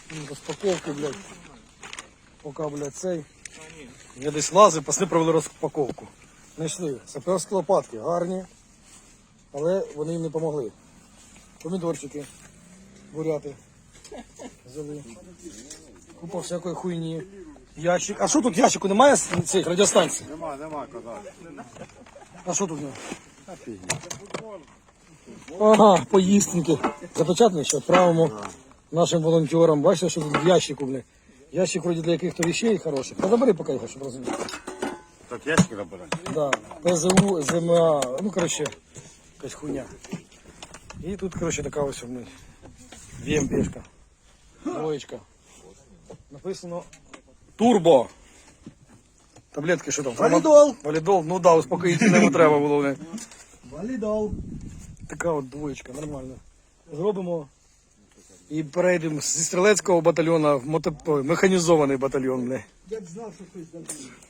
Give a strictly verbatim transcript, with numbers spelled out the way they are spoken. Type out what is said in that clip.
Розпаковки, блядь. Поки, блядь, цей. Я десь лазив, пасли провели розпаковку. Знайшли саперські лопатки, гарні, але вони їм не допомогли. Помідорчики, буряти взяли. Купа всякої хуйні. Ящик. А що тут ящику? Немає цих радіостанцій? Нема, нема казати. А що тут? Ага, поїстинки. Запечатані, що відправимо нашим волонтерам. Бачите, що тут в ящику, блядь. Ящик вроде для яких-то вещей хороших. Та забери поки його, щоб розуміти. Так ящики набирати? Да. ПЗУ, ЗМА, ну коротше, якась хуйня. І тут, коротше, така ось, блядь, ВМПшка. Двоєчка. Написано Турбо. Таблетки що там? Валідол. Валідол, ну да, успокоїтельного треба було, блядь. Валідол. Така от двоєчка, нормально. Зробимо і перейдемо зі стрілецького батальйону в мото... механізований батальйон, блядь. Я б знав, що хтось забув.